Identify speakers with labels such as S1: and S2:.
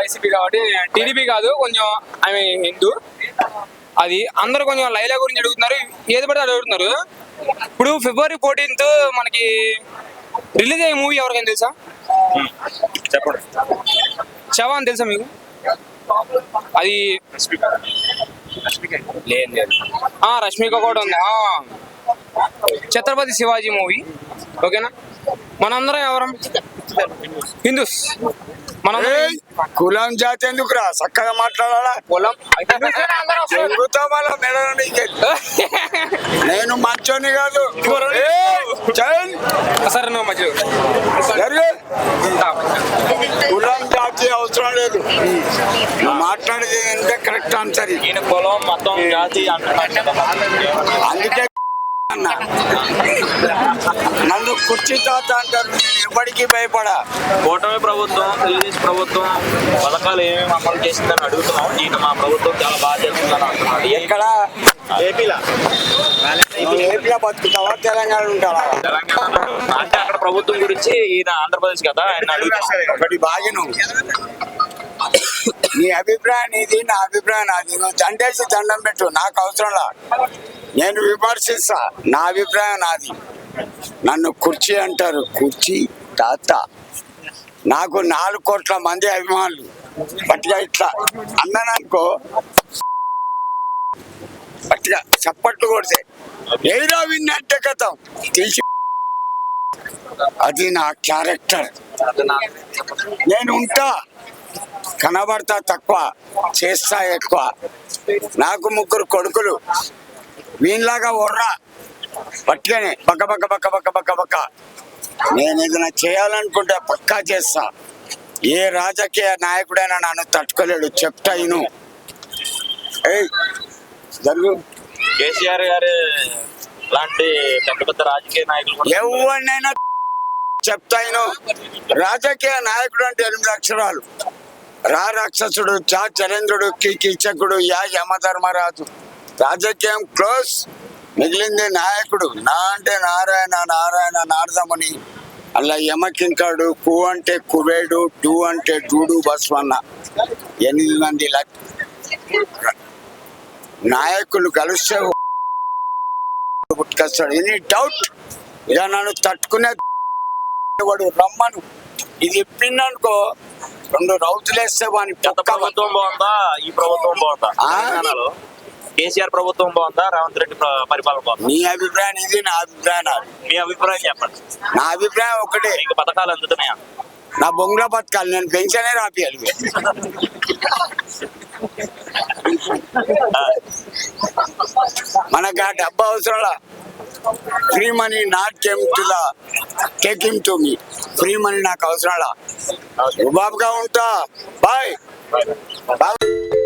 S1: YCP కాబట్టి TDP కాదు, కొంచెం ఆమె హిందూ. అది అందరూ కొంచెం లైలా గురించి అడుగుతున్నారు, ఏది పడితే అడుగుతున్నారు. ఇప్పుడు February 14th మనకి రిలీజ్ అయ్యే మూవీ ఎవరికైనా తెలుసా?
S2: చెప్పండి.
S1: చవాన్ తెలుసా మీకు? అది లేదు, రష్మిక కూడా ఉంది. ఛత్రపతి శివాజీ మూవీ. ఓకేనా, మనందరం ఎవరం హిందూస్. మనం
S3: కులం జాతి ఎందుకురా, చక్కగా మాట్లాడాలా.
S1: కులం
S3: నేను మంచోని కాదు
S1: సరే, నువ్వు మధ్య
S3: కులం జాతి అవసరం లేదు. నువ్వు మాట్లాడేది ఎంత కరెక్ట్ ఆన్సర్.
S2: కులం మొత్తం జాతి
S3: అందుకే నన్ను కుర్చీ తాత అంటారు. నేను ఎవరికి భయపడా.
S2: కూటమి ప్రభుత్వం, తెలుగుదేశం ప్రభుత్వం పథకాలు ఏమేమి అమలు చేసిందని అడుగుతున్నాం. ఈయన మా ప్రభుత్వం చాలా బాగా చేస్తుందని అంటున్నాడు.
S3: ఎక్కడ
S2: ఏపీలో
S3: బతుకుతావా, తెలంగాణ ఉంటావా?
S2: తెలంగాణ అంటే అక్కడ ప్రభుత్వం గురించి, ఈయన ఆంధ్రప్రదేశ్ కదా, ఆయన అడుగుతున్నాం.
S3: ఒకటి బాగిను, నీ అభిప్రాయం నీది, నా అభిప్రాయం నాది. నువ్వు దండేసి దండం పెట్టు, నాకు అవసరంలా. నేను విమర్శిస్తా, నా అభిప్రాయం నాది. నన్ను కుర్చీ అంటారు, కుర్చీ తాత. నాకు 4 కోట్ల మంది అభిమానులు. పట్టిగా ఇట్లా అన్నాననుకో, పట్టిగా చప్పట్లు కొడితే ఏదో విన్నట్టే కథం తీసి. అది నా క్యారెక్టర్. నేను ఉంటా, కనబడతా తక్కువ, చేస్తా ఎక్కువ. నాకు 3 కొడుకులు. వీళ్ళలాగా ఒర్రా పట్టుగానే బక్క బక్క బక్క బక్క బక్క బక్క. నేను ఏదైనా చేయాలనుకుంటే పక్కా చేస్తా. ఏ రాజకీయ నాయకుడైనా నన్ను తట్టుకోలేడు. చెప్తా ఇను. జరుగు.
S2: కేసీఆర్ గారు లాంటి పెద్ద పెద్ద రాజకీయ నాయకులు
S3: ఎవరినైనా చెప్తా ఇను. రాజకీయ నాయకుడు అంటే 8 అక్షరాలు. రా రాక్షసుడు, చా చరేంద్రుడు, కీచకుడు, యా యమధర్మరాజు. రాజకీయం క్లోజ్. మిగిలింది నాయకుడు. నా అంటే నారాయణ, నారాయణ నారదముని. అలా యమకింకాడు, కు అంటే కుబేడు, డు అంటే డూడు బస్వన్న. 8 మంది నాయకులు కలిస్తే పుట్టుకొస్తాడు. ఎనీ డౌట్ ఇక నన్ను తట్టుకునే వాడు రమ్మను. ఇది ఇప్పిందనుకో 2 రౌతులు వేస్తే వాని
S2: గత ప్రభుత్వం బాగుందా, ఈ ప్రభుత్వం బాగుందా? తెలంగాణలో కేసీఆర్ ప్రభుత్వం బాగుందా, రేవంత్ రెడ్డి పరిపాలన బాగుందా?
S3: నీ అభిప్రాయం ఇది, నా అభిప్రాయం నాది.
S2: మీ అభిప్రాయం చెప్పండి.
S3: నా అభిప్రాయం ఒకటే,
S2: మీకు పథకాలు అందుతున్నాయా?
S3: నా బొంగుల బతకాలి. నేను పెన్షనే రాపియాలి. మనకు ఆ డబ్బు అవసరంలా. Free money not came to the taking to me. Free money నాకు అవసరంలా. బాబుగా ఉంటా. Bye bye.